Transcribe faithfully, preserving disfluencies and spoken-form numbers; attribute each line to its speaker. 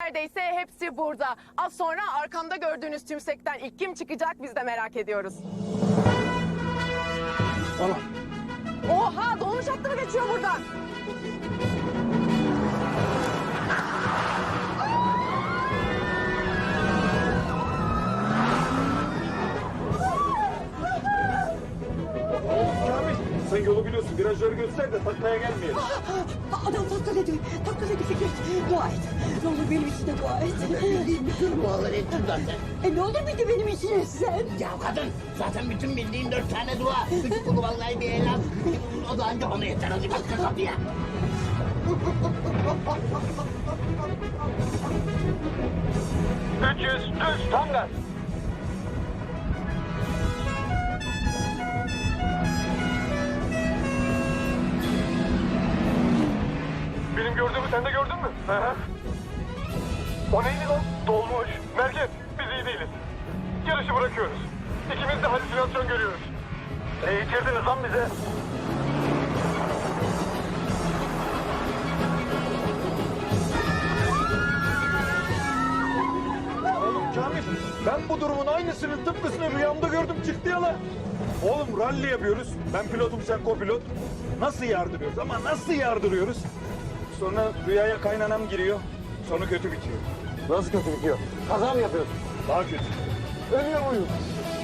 Speaker 1: Neredeyse hepsi burada. Az sonra arkamda gördüğünüz tümsekten ilk kim çıkacak biz de merak ediyoruz.
Speaker 2: Tamam.
Speaker 1: Oha, dolmuş hattı mı geçiyor buradan?
Speaker 2: Kamil, sen yolu biliyorsun. Virajları göster de taklaya gelmeyelim.
Speaker 3: Adam taklaladı. Taklaladı Fikret. Dua et. Ne olur benim için de dua et.
Speaker 4: Bildiğin bütün duaları ettim zaten.
Speaker 3: E ne olur bir de benim için et sen.
Speaker 4: Ya kadın zaten bütün bildiğin dört tane dua. Üç kulu vallahi bir elham. O da anca bana yeter. Hadi bak kapıya.
Speaker 2: üç yüz düz tam gaz. Benim gördüğümü sen de gördün mü? Hı hı. O neydi lan? Dolmuş. Merkez, biz iyi değiliz. Yarışı bırakıyoruz. İkimiz de halüsinasyon görüyoruz. Ne içirdiniz lan bize? Oğlum Kamil, ben bu durumun aynısını tıpkısını rüyamda gördüm, çıktı ya lan. Oğlum ralli yapıyoruz. Ben pilotum, sen kopilot. Nasıl yardırıyoruz ama nasıl yardırıyoruz? Sonra rüyaya kaynanam giriyor. Sonu kötü bitiyor.
Speaker 5: Nasıl kötü bitiyor? Kaza mı yapıyorsun?
Speaker 2: Daha kötü.
Speaker 5: Ölüyor muyum?